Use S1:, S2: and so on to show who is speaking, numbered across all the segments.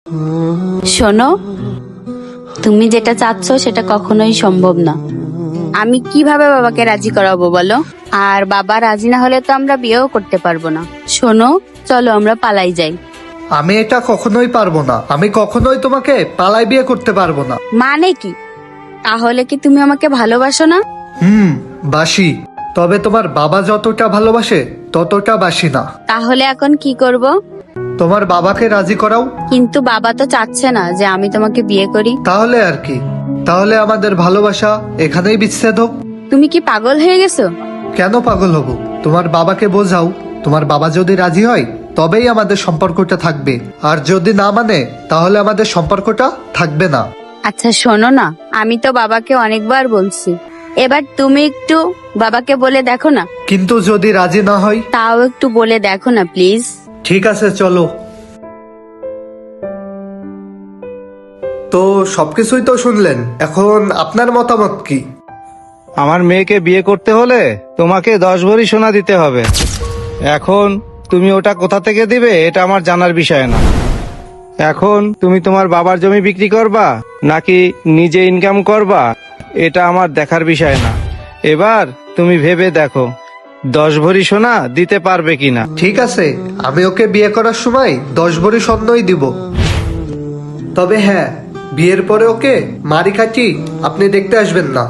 S1: শোনো, তুমি যেটা চাচ্ছ সেটা কখনোই সম্ভব না। আমি কিভাবে বাবাকে রাজি করাবো বলো? আর বাবা রাজি না হলে তো আমরা বিয়েও করতে পারবো না। শোনো, চলো আমরা পালাই যাই।
S2: আমি এটা কখনোই পারবো না। আমি কখনোই তোমাকে পালাই বিয়ে করতে পারবো না।
S1: মানে কি? তাহলে কি তুমি আমাকে ভালোবাসো না?
S2: বাসি। তবে তোমার বাবা যতটা ভালোবাসে ততটা বাসি না।
S1: তাহলে এখন কি করব?
S2: তোমার বাবাকে রাজি করাও।
S1: কিন্তু বাবা তো চাচ্ছে না যে আমি তোমাকে বিয়ে করি।
S2: তাহলে আর কি? তাহলে আমাদের ভালোবাসা এখানেই বিচ্ছেদ হোক।
S1: তুমি কি পাগল হয়ে গেছো?
S2: কেন পাগল হব? তোমার বাবাকে বোঝাও। তোমার বাবা যদি রাজি হয় তবেই আমাদের সম্পর্কটা থাকবে, আর যদি না মানে তাহলে আমাদের সম্পর্কটা থাকবে না।
S1: আচ্ছা শোনো না, আমি তো বাবাকে অনেকবার বলছি, এবার তুমি একটু বাবাকে বলে দেখো না।
S2: কিন্তু যদি রাজি না হয়?
S1: তাও একটু বলে দেখো না প্লিজ।
S2: ঠিক আছে, চলো। তো সবকিছুই তো শুনলেন, এখন আপনার মতামত কি?
S3: আমার মেয়েকে বিয়ে করতে হলে তোমাকে 10 ভরি সোনা দিতে হবে। এখন তুমি ওটা কোথা থেকে দিবে এটা আমার জানার বিষয় না। এখন তুমি তোমার বাবার জমি বিক্রি করবা নাকি নিজে ইনকাম করবা এটা আমার দেখার বিষয় না। এবার তুমি ভেবে দেখো 10 ভরি সোনা দিতে পারবে কিনা।
S2: ঠিক আছে, আমি ওকে বিয়ে করার সময় 10 ভরি স্বর্ণই দিব। তবে হ্যাঁ, বিয়ের পরে ওকে মারি কাটি আপনি দেখতে আসবেন না।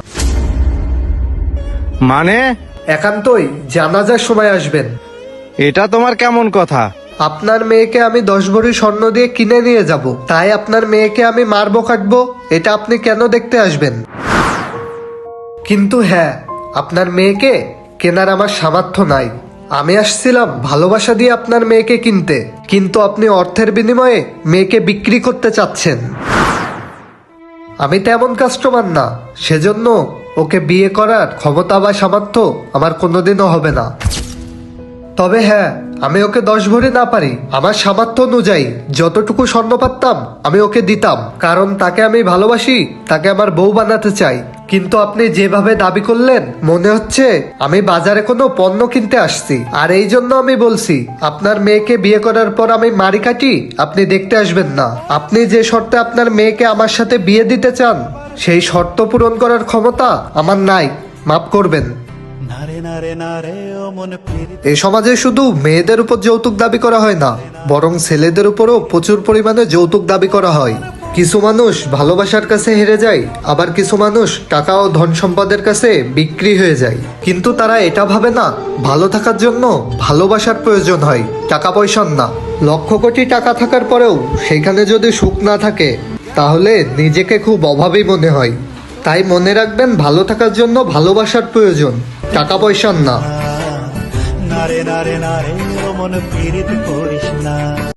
S3: মানে?
S2: একান্তই জানাজার সময় আসবেন।
S3: এটা তোমার কেমন কথা?
S2: আপনার মেয়েকে আমি 10 ভরি স্বর্ণ দিয়ে কিনে নিয়ে যাব, তাই আপনার মেয়েকে আমি মারবো কাটবো এটা আপনি কেন দেখতে আসবেন? কিন্তু হ্যাঁ, আপনার মেয়েকে কেনার আমার সামর্থ্য নাই। আমি আসছিলাম ভালোবাসা দিয়ে আপনার মেয়েকে কিনতে, কিন্তু আপনি অর্থের বিনিময়ে মেয়েকে বিক্রি করতে চাচ্ছেন। আমি তেমন কাস্টমার না, সেজন্য ওকে বিয়ে করার ক্ষমতা বা সামর্থ্য আমার কোনোদিনও হবে না। তবে হ্যাঁ, আমি ওকে 10 ভরি না পারি, আমার সামর্থ্য অনুযায়ী যতটুকু স্বর্ণ পারতাম আমি ওকে দিতাম, কারণ তাকে আমি ভালোবাসি, তাকে আমার বউ বানাতে চাই। কিন্তু আপনি যেভাবে দাবি করলেন মনে হচ্ছে আমি বাজারে কোনো পণ্য কিনতে আসছি। আর এই জন্য আমি বলছি, আপনার মেয়েকে বিয়ে করার পর আমি মারি কাটি আপনি দেখতে আসবেন না। আপনি যে শর্তে আপনার মেয়েকে আমার সাথে বিয়ে দিতে চান সেই শর্ত পূরণ করার ক্ষমতা আমার নাই, মাফ করবেন। এই সমাজে শুধু মেয়েদের উপর যৌতুক দাবি করা হয় না, বরং ছেলেদের উপরও প্রচুর পরিমাণে যৌতুক দাবি করা হয়। কিছু মানুষ ভালোবাসার কাছে হেরে যায়, আবার কিছু মানুষ টাকা ও ধন সম্পদের কাছে বিক্রি হয়ে যায়। কিন্তু তারা এটা ভাবে না ভালো থাকার জন্য ভালোবাসার প্রয়োজন হয়, টাকা পয়সার না। লক্ষ কোটি টাকা থাকার পরেও সেখানে যদি সুখ না থাকে তাহলে নিজেকে খুব অভাবী মনে হয়। তাই মনে রাখবেন, ভালো থাকার জন্য ভালোবাসার প্রয়োজন, টাকা পয়সার না।
S4: নারে নারে নারে ও মন পীড়িত করিস না।